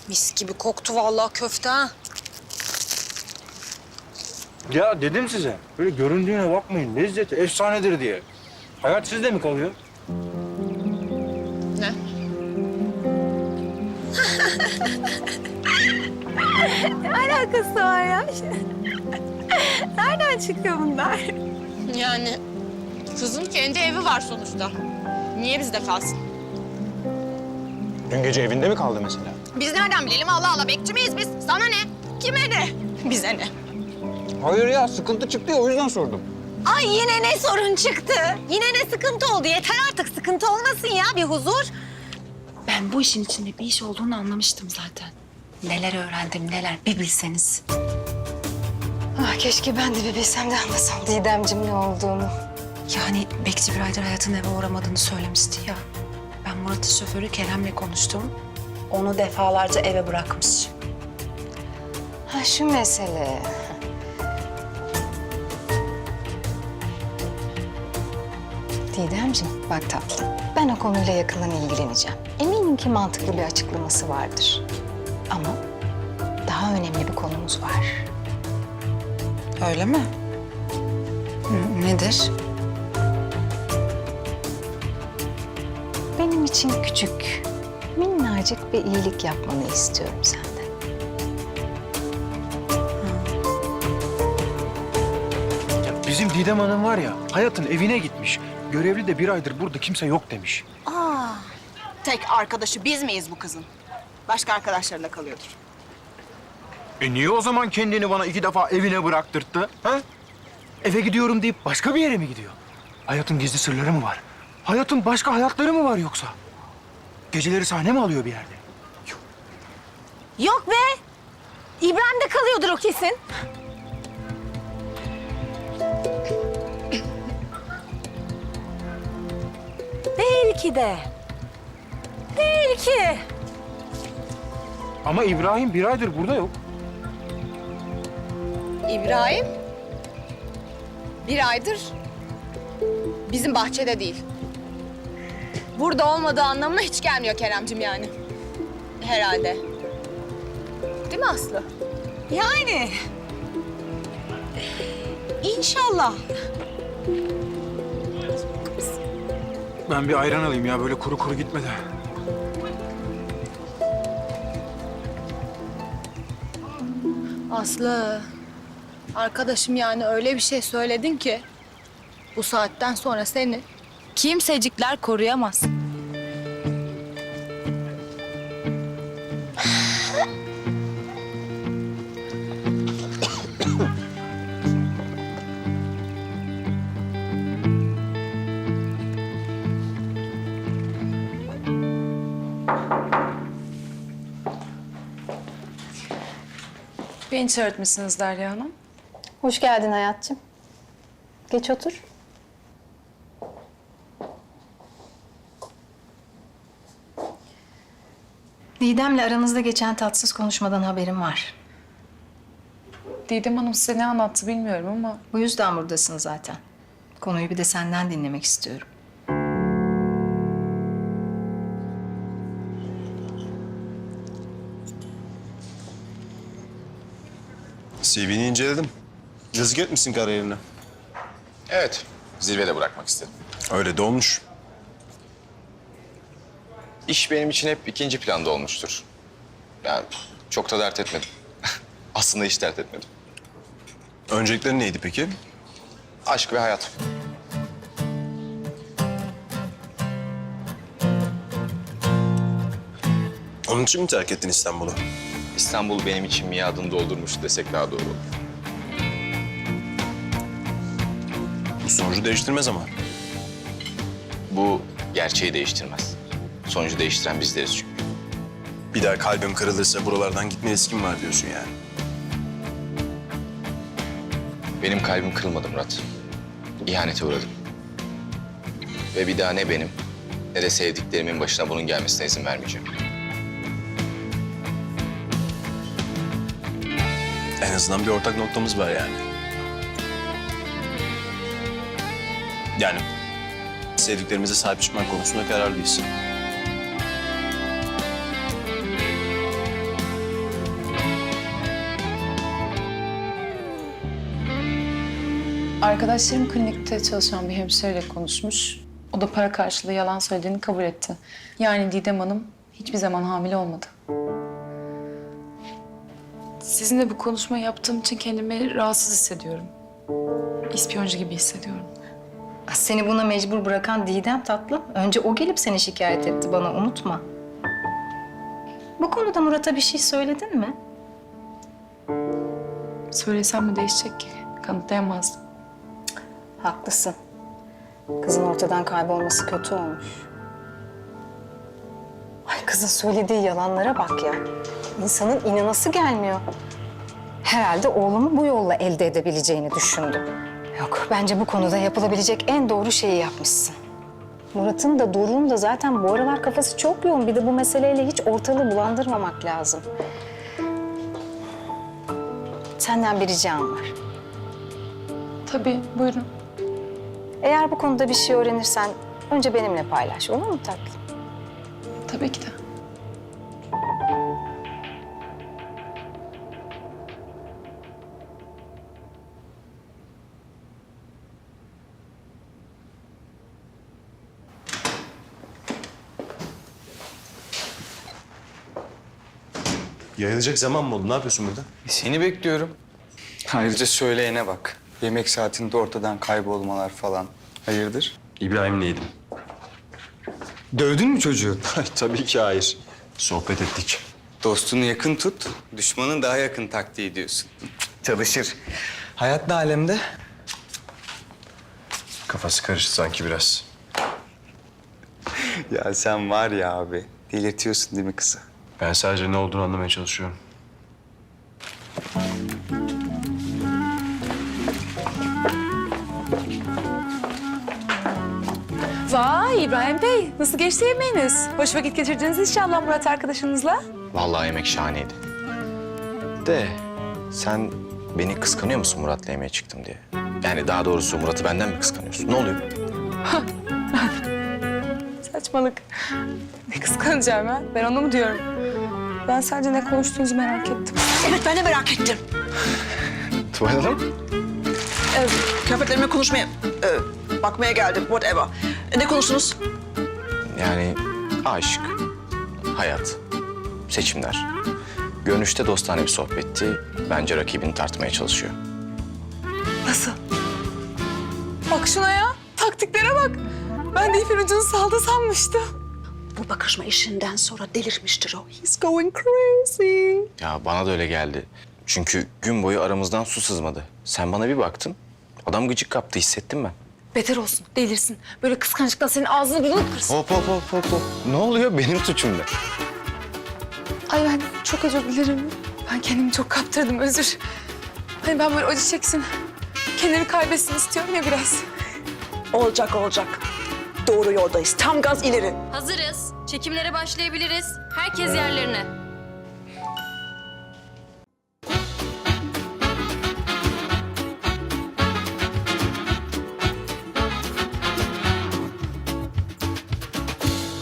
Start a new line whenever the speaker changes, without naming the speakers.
Mis gibi koktu vallahi köfte ha.
Ya dedim size, böyle göründüğüne bakmayın. Lezzeti efsanedir diye. Hayat sizde mi kalıyor?
Ne?
Ne alakası var ya? Nereden çıkıyor bunlar?
Yani kızın kendi evi var sonuçta. Niye bizde kalsın?
Dün gece evinde mi kaldı mesela?
Biz nereden bilelim? Allah Allah, bekçi miyiz biz? Sana ne? Kime ne? Bize ne?
Hayır ya, sıkıntı çıktı ya, o yüzden sordum.
Ay yine ne sorun çıktı? Yine ne sıkıntı oldu? Yeter artık, sıkıntı olmasın ya, bir huzur.
Ben bu işin içinde bir iş olduğunu anlamıştım zaten. Neler öğrendim neler bir bilseniz.
Ah, keşke ben de bir bilsem de anlasam Didemciğim ne olduğunu.
Yani bekçi bir aydır Hayat'ın eve uğramadığını söylemişti ya. Ben Murat'ın şoförü Kerem'le konuştum. Onu defalarca eve bırakmış.
Ha şu mesele. Didemciğim bak tatlım, ben o konuyla yakından ilgileneceğim. Eminim ki mantıklı bir açıklaması vardır. Ama daha önemli bir konumuz var.
Öyle mi? Nedir?
Benim için küçük, minnacık bir iyilik yapmanı istiyorum senden.
Ya bizim Didem Hanım var ya, Hayat'ın evine gitmiş. Görevli de bir aydır burada kimse yok demiş.
Tek arkadaşı biz miyiz bu kızın? Başka arkadaşlarıyla kalıyordur.
Niye o zaman kendini bana 2 defa evine bıraktırttı? Ha? Eve gidiyorum deyip başka bir yere mi gidiyor? Hayat'ın gizli sırları mı var? Hayat'ın başka hayatları mı var yoksa? Geceleri sahne mi alıyor bir yerde?
Yok be! İbrahim'de kalıyordur o kesin. Belki de. Belki.
Ama İbrahim bir aydır burada yok.
İbrahim bir aydır bizim bahçede değil. Burada olmadığı anlamına hiç gelmiyor Keremcim yani. Herhalde. Değil mi Aslı?
Yani. İnşallah.
Ben bir ayran alayım ya, böyle kuru kuru gitme de.
Aslı, arkadaşım yani öyle bir şey söyledin ki bu saatten sonra seni kimsecikler koruyamaz.
Beni çağırtmışsınız Derya Hanım.
Hoş geldin hayatçığım. Geç otur. Didem'le aranızda geçen tatsız konuşmadan haberim var.
Didem Hanım size ne anlattı bilmiyorum ama...
Bu yüzden buradasın zaten. Konuyu bir de senden dinlemek istiyorum.
CV'ni inceledim. Yazık etmişsin kariyerine.
Evet, zirvede bırakmak istedim.
Öyle de olmuş.
İş benim için hep ikinci planda olmuştur. Yani çok da dert etmedim. Aslında hiç dert etmedim.
Öncelikleri neydi peki?
Aşk ve hayat.
Onun için mi terk ettin İstanbul'u?
İstanbul benim için miadını doldurmuş desek daha doğru olur.
Bu sonucu değiştirmez ama.
Bu gerçeği değiştirmez. Sonucu değiştiren bizleriz çünkü.
Bir daha kalbim kırılırsa buralardan gitme riskim var diyorsun yani.
Benim kalbim kırılmadı Murat. İhanete uğradım. Ve bir daha ne benim ne de sevdiklerimin başına bunun gelmesine izin vermeyeceğim.
En azından bir ortak noktamız var yani. Yani sevdiklerimize sahip çıkmak konusunda kararlıyız.
Arkadaşlarım klinikte çalışan bir hemşireyle konuşmuş. O da para karşılığı yalan söylediğini kabul etti. Yani Didem Hanım hiçbir zaman hamile olmadı. Sizinle bu konuşmayı yaptığım için kendimi rahatsız hissediyorum. İspiyoncu gibi hissediyorum.
Seni buna mecbur bırakan Didem tatlım. Önce o gelip seni şikayet etti bana, unutma. Bu konuda Murat'a bir şey söyledin mi?
Söylesem mi değişecek ki? Kanıtlayamazdım.
Haklısın. Kızın ortadan kaybolması kötü olmuş. Ay kızın söylediği yalanlara bak ya. İnsanın inanası gelmiyor. Herhalde oğlumu bu yolla elde edebileceğini düşündü. Yok, bence bu konuda yapılabilecek en doğru şeyi yapmışsın. Murat'ın da Doruk'un da zaten bu aralar kafası çok yoğun. Bir de bu meseleyle hiç ortalığı bulandırmamak lazım. Senden bir ricam var.
Tabii, buyurun.
Eğer bu konuda bir şey öğrenirsen önce benimle paylaş, olur mu tatlım?
Tabii ki de.
Yayılacak zaman mı oldu? Ne yapıyorsun burada?
Seni bekliyorum. Ayrıca söyleyene bak. Yemek saatinde ortadan kaybolmalar falan. Hayırdır?
İbrahim'le yedim.
Dövdün mü çocuğu?
Tabii ki hayır. Sohbet ettik.
Dostunu yakın tut, düşmanın daha yakın taktiği diyorsun. Çalışır. Hayat ne alemde?
Kafası karıştı sanki biraz.
Ya sen var ya abi, delirtiyorsun değil mi kızı?
Ben sadece ne olduğunu anlamaya çalışıyorum.
Vay İbrahim Bey, nasıl geçti yemeğiniz? Hoş vakit geçirdiniz inşallah Murat arkadaşınızla.
Vallahi yemek şahaneydi. De sen beni kıskanıyor musun Murat'la yemeğe çıktım diye? Yani daha doğrusu Murat'ı benden mi kıskanıyorsun? Ne oluyor?
Saçmalık. Ne kıskanacağım ha? Ben onu mu diyorum? Ben sadece ne konuştuğunuzu merak ettim.
Evet, ben de merak ettim.
Tuval Hanım?
Kıyafetlerime konuşmaya, bakmaya geldim, whatever. Ne konuştunuz?
Yani aşk, hayat, seçimler. Görünüşte dostane bir sohbetti. Bence rakibini tartmaya çalışıyor.
Nasıl? Bak şuna ya. Taktiklere bak. Ben de ipin ucunu saldı sanmıştım.
Bu bakışma işinden sonra delirmiştir o. He's going crazy.
Ya bana da öyle geldi. Çünkü gün boyu aramızdan su sızmadı. Sen bana bir baktın, adam gıcık kaptı, hissettim ben.
Beter olsun, delirsin. Böyle kıskançlıktan senin ağzını burnunu kırsın.
Hop hop hop hop hop. Ne oluyor? Benim suçum ne?
Ay ben çok özür dilerim. Ben kendimi çok kaptırdım, özür. Hani ben böyle acı çeksin, kendini kaybetsin istiyorum ya biraz.
Olacak, olacak. Doğru yoldayız. Tam gaz ileri.
Hazırız. Çekimlere başlayabiliriz. Herkes yerlerine.